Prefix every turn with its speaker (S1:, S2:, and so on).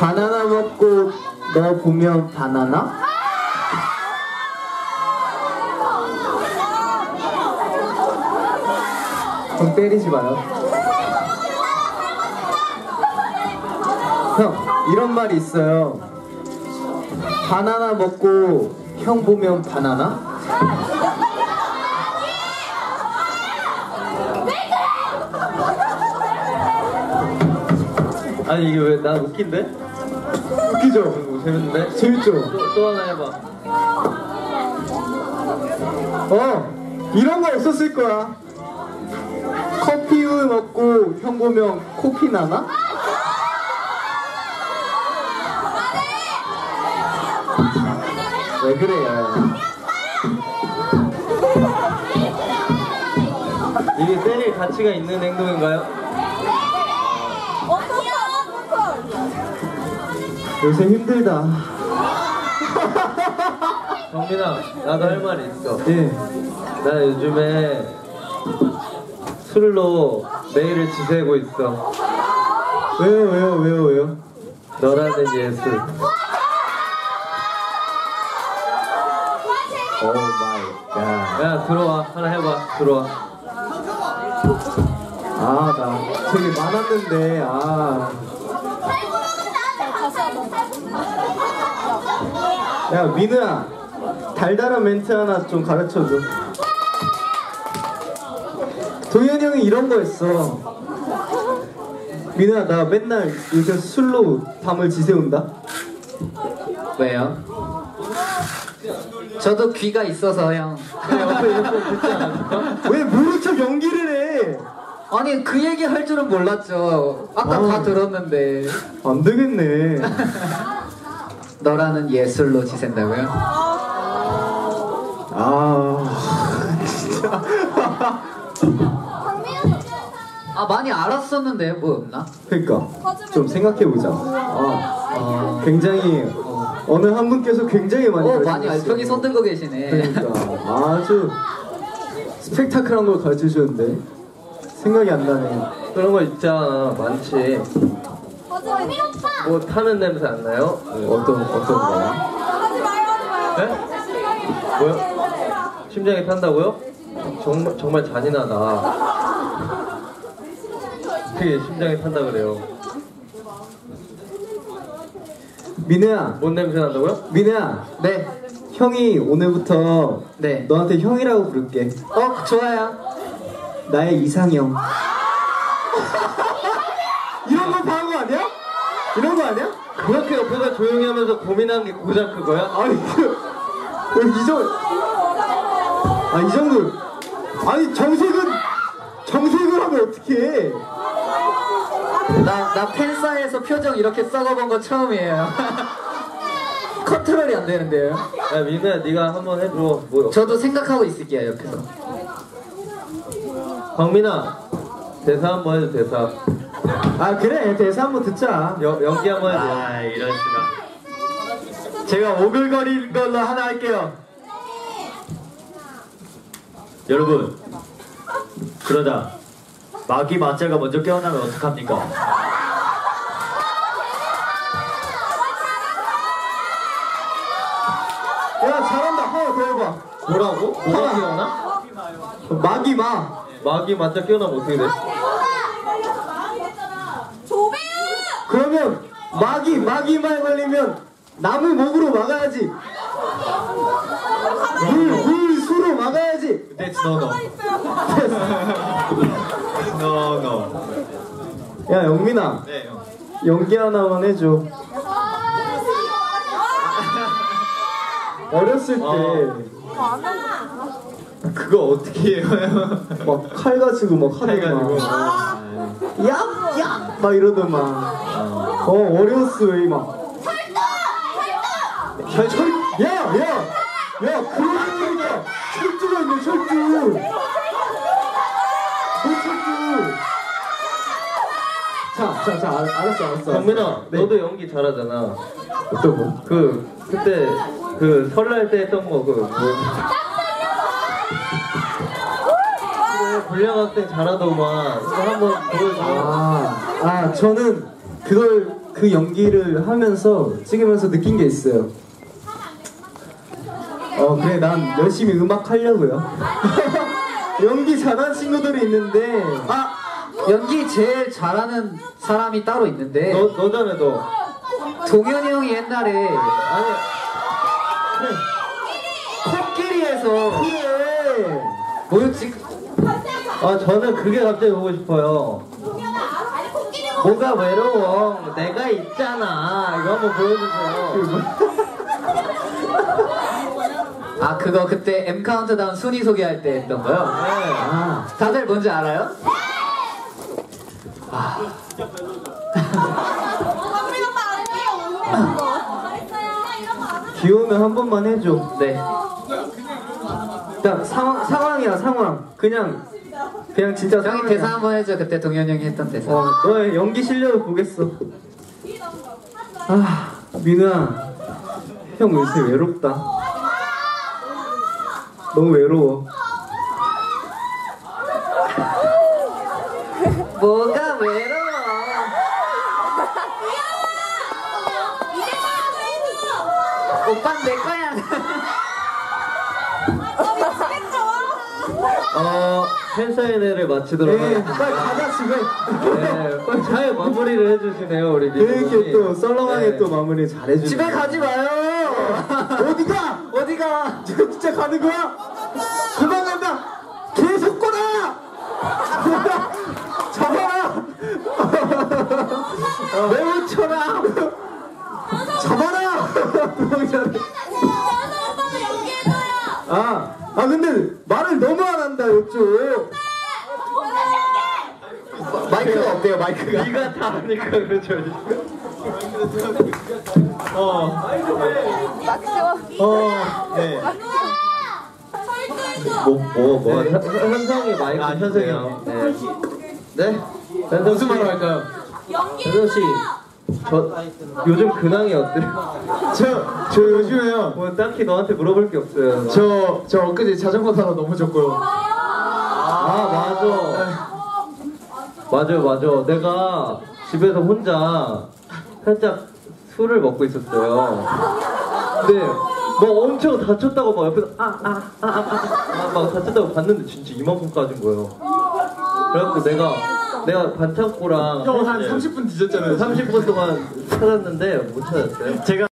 S1: 바나나 먹고 너 보면 바나나? 좀 때리지 마요. 형, 이런 말이 있어요. 바나나 먹고 형 보면 바나나?
S2: 아니 이게 왜 나 웃긴데?
S1: 웃기죠?
S2: 재밌는데?
S1: 재밌죠?
S2: 또 하나 해봐.
S1: 이런 거 없었을 거야. 커피 우유 먹고 형 보면 코피 나나? 왜 그래요?
S2: 이게 때릴 가치가 있는 행동인가요?
S1: 요새 힘들다.
S2: 정민아, 나도 할 말이 있어.
S1: 예.
S2: 나 요즘에 술로 매일을 지새고 있어.
S1: 왜요?
S2: 너라는 예술.
S1: 오 마이 갓.
S2: 야 들어와, 하나 해봐. 들어와.
S1: 나 되게 많았는데, 야, 민우야. 달달한 멘트 하나 좀 가르쳐줘. 도현이 형이 이런 거 했어. 민우야, 나 맨날 요새 술로 밤을 지새운다.
S3: 왜요? 저도 귀가 있어서 형.
S2: 옆에 이렇게 듣지 않았을까?
S1: 왜 모른 척 연기를 해?
S3: 아니 그 얘기 할 줄은 몰랐죠. 아까 다 들었는데.
S1: 안 되겠네.
S3: 너라는 예술로 지샌다고요?
S1: 진짜.
S3: 많이 알았었는데 뭐 없나?
S1: 그러니까 좀 생각해보자. 굉장히 어느 한 분께서 굉장히 많이
S3: 많이 알평이 손 들고 계시네.
S1: 그러니까 아주 스펙타클한 걸 가르쳐주셨는데 생각이 안 나네.
S2: 그런 거 있잖아, 많지. 뭐 타는 냄새 안 나요?
S1: 어떤 거야?
S2: 네? 뭐요? 심장이 탄다고요? 정말 잔인하다. 어떻게 심장이 탄다 그래요?
S1: 민우야.
S2: 뭔 냄새 난다고요?
S1: 민우야.
S3: 네.
S1: 형이 오늘부터
S3: 네.
S1: 너한테 형이라고 부를게.
S3: 좋아요.
S1: 나의 이상형. 이런 거 봐한 거 아니야? 이런 거 아니야?
S2: 그렇게 옆에서 조용히 하면서 고민한 게 고작 그거야?
S1: 아니 이 정도. 이 정도. 아니 정색을 하면 어떡해.
S3: 나 팬사에서 표정 이렇게 썩어본 거 처음이에요. 컨트롤이 안 되는데요.
S2: 야 민우야, 네가 한번 해줘. 뭐?
S3: 저도 생각하고 있을게요 옆에서.
S2: 광민아, 대사 한번 해줘. 대사.
S1: 그래, 대사 한번 듣자.
S2: 연기 한번 해줘.
S1: 이럴 수가. 제가 오글거린 걸로 하나 할게요.
S4: 여러분, 그러다 마귀 마자가 먼저 깨어나면 어떡합니까?
S1: 야, 잘한다. 하나 더 해봐.
S2: 뭐라고? 뭐가 깨어나? 마귀 맞자 깨어나면 어떻게 돼?
S1: 그러면 마귀만 걸리면 나무 목으로 막아야지. 물 수로 막아야지.
S4: That's no. No.
S1: 야, 영민아.
S4: 네, 형.
S1: 연기 하나만 해줘. 어렸을 때
S4: 그거 어떻게 해요?
S1: 막 칼 가지고 막 하더만. 야! 막 이러더만. 어려웠어, 이 막. 야, 그런 소리가 철두가 있네, 철두. 뭐 철두. 자, 알았어.
S2: 광민아,
S1: 네.
S2: 너도 연기 잘하잖아.
S1: 어떤 거?
S2: 그때 설날 때 했던 거 불량학생 잘하더만. 그거 한번 보여줘.
S1: 저는 그걸 그 연기를 하면서 찍으면서 느낀 게 있어요. 그래, 난 열심히 음악 하려고요. 연기 잘하는 친구들이 있는데,
S3: 연기 제일 잘하는 사람이 따로 있는데
S2: 너잖아 너.
S3: 동현이 형이 옛날에
S2: 아니
S3: 코끼리에서
S1: 그래.
S3: 뭐였지?
S2: 저는 그게 갑자기 보고 싶어요. 뭐가 외로워? 내가 있잖아. 이거 한번 보여주세요.
S3: 아 그거 그때 M 카운트다운 순위 소개할 때 했던 거요?
S2: 네.
S3: 다들 뭔지 알아요?
S1: 귀여우면 한 번만 해줘.
S3: 네.
S1: 자, 상황이야, 상황. 그냥 진짜
S3: 형이
S1: 상황이야.
S3: 대사 한번 해줘. 그때 동현이 형이 했던 대사.
S1: 너의 연기 실력을 보겠어. 민우야, 형 요새 외롭다. 너무 외로워.
S3: 뭐가 외로워? 오빠는 내 거야.
S2: 팬사인회를 마치도록
S1: 네,
S2: 하겠습니다.
S1: 빨리 가자 집에.
S2: 네, 빨리 잘 마무리를 해주시네요 우리 민호
S1: 이렇게 또 썰렁하게
S2: 네.
S1: 또 마무리 잘해주네.
S3: 집에 가지 마요.
S1: 어디가?
S3: 어디가?
S1: 진짜 가는 거야? 그만 간다. 계속 꼬라. 잡아라. 매우 쳐라. 잡아라. 근데 말을 너무 안 한다 이쪽. 마이크가 없대요, 마이크가.
S2: 네가 다 하니까 그렇죠.
S4: 네.
S2: 현성이 마이크
S4: 현성이요.
S2: 네. 무슨 말로 할까요? 현성 씨, 요즘 근황이 어때요?
S4: 저 요즘에요.
S2: 뭐 딱히 너한테 물어볼 게 없어요.
S4: 저 엊그제 자전거 타러 너무 졌고요.
S2: 맞아. 내가 집에서 혼자 살짝 술을 먹고 있었어요. 근데 뭐 엄청 다쳤다고 막 옆에서 막 다쳤다고 봤는데 진짜 이만큼까진 거예요. 그래갖고 내가 반창고랑
S4: 형 한 30분 뒤졌잖아요.
S2: 30분 동안 찾았는데 못 찾았어요.
S4: 제가